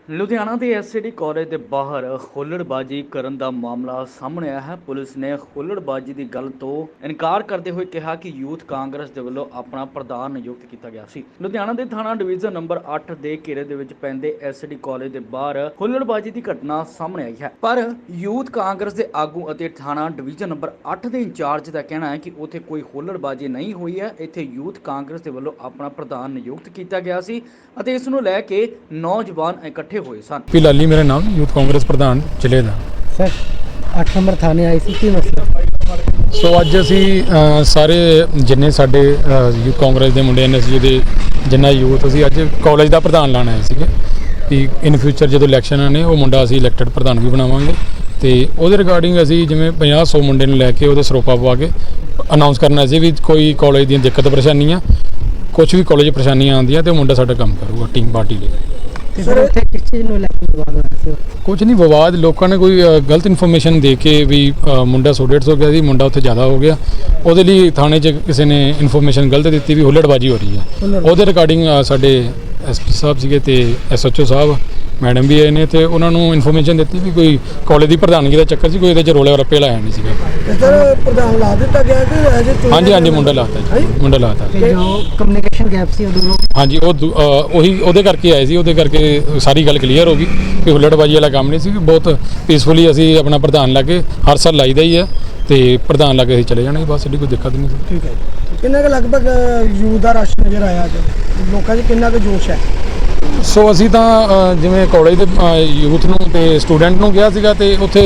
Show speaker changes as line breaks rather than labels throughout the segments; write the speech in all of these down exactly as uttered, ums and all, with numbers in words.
ਲੁਧਿਆਣਾ ਦੇ SCD college ਦੇ ਬਾਹਰ ਹੁੱਲੜਬਾਜੀ ਕਰਨ ਦਾ ਮਾਮਲਾ ਸਾਹਮਣੇ ਆਇਆ ਹੈ। ਪੁਲਿਸ ਨੇ ਹੁੱਲੜਬਾਜੀ ਦੀ ਗੱਲ ਤੋਂ ਇਨਕਾਰ ਕਰਦੇ ਹੋਏ ਕਿਹਾ ਕਿ ਯੂਥ ਕਾਂਗਰਸ ਦੇ ਵੱਲੋਂ ਆਪਣਾ ਪ੍ਰਧਾਨ ਨਿਯੁਕਤ ਕੀਤਾ ਗਿਆ ਸੀ। ਲੁਧਿਆਣਾ ਦੇ ਥਾਣਾ ਡਿਵੀਜ਼ਨ ਨੰਬਰ ਅੱਠ ਦੇ ਘੇਰੇ ਦੇ ਵਿੱਚ ਪੈਂਦੇ ਐਸਸੀਡੀ ਕਾਲਜ ਦੇ ਬਾਹਰ ਹੁੱਲੜਬਾਜੀ ਦੀ ਘਟਨਾ ਸਾਹਮਣੇ ਆਈ ਹੈ। ਪਰ ਯੂਥ ਕਾਂਗਰਸ ਦੇ ਆਗੂ ਅਤੇ ਥਾਣਾ ਡਿਵੀਜ਼ਨ ਨੰਬਰ ਅੱਠ ਦੇ ਇੰਚਾਰਜ ਦਾ ਕਹਿਣਾ ਹੈ ਕਿ ਉੱਥੇ ਕੋਈ ਹੁੱਲੜਬਾਜੀ ਨਹੀਂ ਹੋਈ ਹੈ। ਇੱਥੇ ਯੂਥ ਕਾਂਗਰਸ ਦੇ ਵੱਲੋਂ ਆਪਣਾ ਪ੍ਰਧਾਨ ਨਿਯੁਕਤ ਕੀਤਾ ਗਿਆ ਸੀ ਅਤੇ ਇਸ ਨੂੰ ਲੈ ਕੇ ਨੌਜਵਾਨ ਇਕੱਠੇ ਹੋਏ ਸਨ।
ਪੀ ਲਾਲੀ ਮੇਰਾ ਨਾਮ, ਯੂਥ ਕਾਂਗਰਸ ਪ੍ਰਧਾਨ ਜ਼ਿਲ੍ਹੇ ਦਾ।
ਸਰ ਅੱਠ ਨੰਬਰ ਥਾਣੇ ਆਈ ਸੀ, ਕੀ ਮਸਲਾ?
ਸੋ ਅੱਜ ਅਸੀਂ ਅ, ਸਾਰੇ ਜਿੰਨੇ ਸਾਡੇ ਯੂਥ ਕਾਂਗਰਸ ਦੇ ਮੁੰਡੇ ਨੇ, ਅਸੀਂ ਦੇ ਜਿੰਨਾ ਯੂਥ ਅਸੀਂ ਅੱਜ ਕਾਲਜ ਦਾ ਪ੍ਰਧਾਨ ਲਾਣ ਆਏ ਸੀਗੇ ਕਿ ਇਨ ਫਿਊਚਰ ਜਦੋਂ ਇਲੈਕਸ਼ਨ ਨੇ ਉਹ ਮੁੰਡਾ ਅਸੀਂ ਇਲੈਕਟਡ ਪ੍ਰਧਾਨ ਵੀ ਬਣਾਵਾਂਗੇ ਤੇ ਉਹਦੇ ਰਿਗਾਰਡਿੰਗ ਅਸੀਂ ਜਿਵੇਂ ਪੰਜਾਹ ਸੌ ਮੁੰਡੇ ਨੂੰ ਲੈ ਕੇ ਉਹਦੇ ਸਰੋਪਾ ਪਵਾ ਕੇ ਅਨਾਉਂਸ ਕਰਨਾ ਸੀ ਵੀ ਕੋਈ ਕਾਲਜ ਦੀਆਂ ਦਿੱਕਤ ਪਰੇਸ਼ਾਨੀਆਂ, ਕੁਝ ਵੀ ਕਾਲਜ ਪਰੇਸ਼ਾਨੀਆਂ ਆਉਂਦੀਆਂ ਤੇ ਉਹ ਮੁੰਡਾ ਸਾਡਾ ਕੰਮ ਕਰੂਗਾ ਟੀਮ ਪਾਰਟੀ ਲਈ।
ਸਰ ਉੱਥੇ ਕਿਸ ਚੀਜ਼ ਨੂੰ ਲੈ ਕੇ ਵਿਵਾਦ ਹੋਇਆ ਸੀ?
ਕੁਝ ਨਹੀਂ ਵਿਵਾਦ, ਲੋਕਾਂ ਨੇ ਕੋਈ ਅ, ਗਲਤ ਇਨਫੋਰਮੇਸ਼ਨ ਦੇ ਕੇ ਵੀ ਅ, ਮੁੰਡਾ ਸੌ ਡੇਢ ਸੌ ਗਿਆ ਸੀ, ਮੁੰਡਾ ਉੱਥੇ ਜ਼ਿਆਦਾ ਹੋ ਗਿਆ। ਉਹਦੇ ਲਈ ਥਾਣੇ 'ਚ ਕਿਸੇ ਨੇ ਇਨਫੋਰਮੇਸ਼ਨ ਗਲਤ ਦਿੱਤੀ ਵੀ ਹੁੱਲੜਬਾਜੀ ਹੋ ਰਹੀ ਹੈ। ਉਹਦੇ ਰਿਗਾਰਡਿੰਗ ਸਾਡੇ ਐਸਪੀ ਸਾਹਿਬ ਸੀਗੇ ਤੇ ਐਸਐਚਓ ਸਾਹਿਬ ਮੈਡਮ ਵੀ ਆਏ ਨੇ ਤੇ ਉਹਨਾਂ ਨੂੰ ਇਨਫੋਰਮੇਸ਼ਨ ਦਿੱਤੀ ਵੀ ਕੋਈ ਕਾਲਜ ਦੀ ਪ੍ਰਧਾਨਗੀ ਦਾ ਚੱਕਰ ਸੀ, ਕੋਈ ਇਹਦੇ 'ਚ ਰੋਲੇ ਰੱਪੇ ਲਾਇਆ ਨਹੀਂ ਸੀਗਾ।
ਸਰ ਪ੍ਰਧਾਨ ਲਾ ਦਿੱਤਾ ਗਿਆ ਕਿ ਅਜੇ
ਹਾਂਜੀ ਹਾਂਜੀ ਮੁੰਡਾ ਲਾਤਾ ਜੀ, ਮੁੰਡਾ ਲਾਤਾ।
ਜੋ ਕਮਿਊਨੀਕੇਸ਼ਨ ਗੈਪ ਸੀ ਉਹ ਦੂਰੋਂ
ਹਾਂਜੀ ਉਹ ਦੂ- ਅ, ਉਹੀ ਉਹਦੇ ਕਰਕੇ ਆਏ ਸੀ, ਉਹਦੇ ਕਰਕੇ ਸਾਰੀ ਗੱਲ ਕਲੀਅਰ ਹੋ ਗਈ ਕਿ ਹੁੱਲੜਬਾਜੀ ਵਾਲਾ ਕੰਮ ਨਹੀਂ ਸੀ। ਬਹੁਤ ਪੀਸਫੁਲੀ ਅਸੀਂ ਆਪਣਾ ਪ੍ਰਧਾਨ ਲਾ ਕੇ ਹਰ ਸਾਲ ਲਾਈਦਾ ਹੀ ਹੈ ਤੇ ਪ੍ਰਧਾਨ ਲਾ ਕੇ ਅਸੀਂ ਚਲੇ ਜਾਣਾ, ਬਸ ਸਾਡੀ ਕੋਈ ਦਿੱਕਤ ਨਹੀਂ ਸੀ।
ਠੀਕ ਹੈ। ਕਿੰਨਾ ਕੁ ਲਗਭਗ ਯੂਥ ਦਾ ਰਸ਼ ਨਜ਼ਰ ਆਇਆ ਅੱਜ? ਲੋਕਾਂ 'ਚ ਕਿੰਨਾ ਕੁ ਜੋਸ਼ ਹੈ?
ਸੋ ਅਸੀਂ ਤਾਂ ਅ, ਜਿਵੇਂ ਕਾਲਜ ਦੇ ਯੂਥ ਨੂੰ ਤੇ ਸਟੂਡੈਂਟ ਨੂੰ ਗਿਆ ਸੀਗਾ ਤੇ ਉੱਥੇ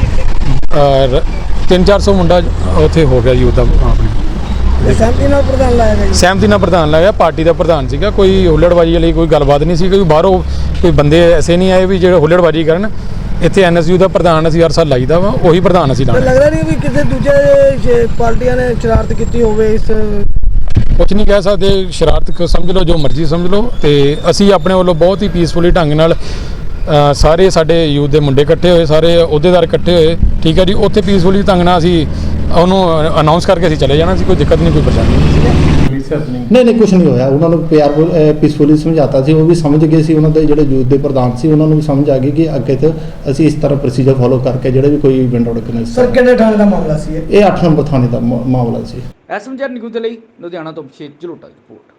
ਤਿੰਨ ਚਾਰ ਸੌ ਮੁੰਡਾ ਉੱਥੇ ਹੋ ਗਿਆ ਯੂਥ ਦਾ ਆਪਣੇ
ਤੇ ਸਹਿਮਤੀ ਨਾਲ ਪ੍ਰਧਾਨ ਲਾਇਆ ਗਿਆ ਜੀ?
ਸਹਿਮਤੀ ਨਾਲ ਪ੍ਰਧਾਨ ਲਾਇਆ, ਪਾਰਟੀ ਦਾ ਪ੍ਰਧਾਨ ਸੀਗਾ। ਕੋਈ ਹੁੱਲੜਬਾਜੀ ਵਾਲੀ ਕੋਈ ਗੱਲਬਾਤ ਨਹੀਂ ਸੀ, ਕੋਈ ਬਾਹਰੋਂ ਕੋਈ ਬੰਦੇ ਐਸੇ ਨਹੀਂ ਆਏ ਵੀ ਜਿਹੜੇ ਹੁੱਲੜਬਾਜੀ ਕਰਨ। ਇੱਥੇ ਐਨਐਸਯੂ ਦਾ ਪ੍ਰਧਾਨ ਅਸੀਂ ਹਰ ਸਾਲ ਲਾਈਦਾ ਵਾ, ਉਹੀ ਪ੍ਰਧਾਨ ਅਸੀਂ
ਤਾਂ
ਲਾਣਾ।
ਲੱਗਦਾ ਨਹੀਂ ਵੀ ਕਿਸੇ ਦੂਜੇ ਪਾਰਟੀਆਂ ਨੇ ਸ਼ਰਾਰਤ ਕੀਤੀ ਹੋਵੇ ਇਸ?
ਕੁਝ ਨਹੀਂ ਕਹਿ ਸਕਦੇ, ਸ਼ਰਾਰਤ ਸਮਝ ਲਓ, ਜੋ ਮਰਜ਼ੀ ਸਮਝ ਲਓ। ਤੇ ਅਸੀਂ ਆਪਣੇ ਵੱਲੋਂ ਬਹੁਤ ਹੀ ਪੀਸਫੁਲੀ ਢੰਗ ਨਾਲ ਅ, ਸਾਰੇ ਸਾਡੇ ਯੂਥ ਦੇ ਮੁੰਡੇ ਇਕੱਠੇ ਹੋਏ, ਸਾਰੇ ਅਹੁਦੇਦਾਰ ਇਕੱਠੇ ਹੋਏ, ਠੀਕ ਹੈ ਜੀ। ਉੱਥੇ ਪੀਸਫੁਲੀ ਢੰਗ ਨਾਲ ਅਸੀਂ ਉਹਨੂੰ ਅਨਾਉਂਸ ਕਰਕੇ ਅਸੀਂ ਚਲੇ ਜਾਣਾ ਸੀ, ਕੋਈ ਦਿੱਕਤ ਨਹੀਂ, ਕੋਈ ਪਰੇਸ਼ਾਨੀ ਨਹੀਂ ਸੀ।
ਨਹੀਂ ਨਹੀਂ ਕੁਝ ਨਹੀਂ ਹੋਇਆ। ਉਹਨਾਂ ਨੂੰ ਪਿਆਰ ਪੀਸਫੁਲੀ ਸਮਝਾਤਾ ਸੀ, ਉਹ ਵੀ ਸਮਝ ਗਏ ਸੀ। ਉਹਨਾਂ ਦੇ ਜਿਹੜੇ ਯੂਥ ਦੇ ਪ੍ਰਧਾਨ ਸੀ ਉਹਨਾਂ ਨੂੰ ਵੀ ਸਮਝ ਆ ਗਈ ਕਿ ਅੱਗੇ ਤੋਂ ਅਸੀਂ ਇਸ ਤਰ੍ਹਾਂ ਪ੍ਰੋਸੀਜਰ ਫੋਲੋ ਕਰਕੇ ਜਿਹੜੇ ਵੀ ਕੋਈ ਇਵੈਂਟ ਆਰਗੇਨਾਈਜ਼।
ਸਰ ਕਿੰਨੇ ਥਾਣੇ ਦਾ ਮਾਮਲਾ ਸੀ ਇਹ?
ਇਹ ਅੱਠ ਨੰਬਰ ਥਾਣੇ ਦਾ ਮਾ- ਮਾਮਲਾ ਸੀ।
ਐਸਐਮਜੀ ਨਿਊਜ਼ ਦੇ ਲਈ ਲੁਧਿਆਣਾ ਤੋਂ ਅਭਿਸ਼ੇਕ ਜਲੋਟਾ ਦੀ ਰਿਪੋਰਟ।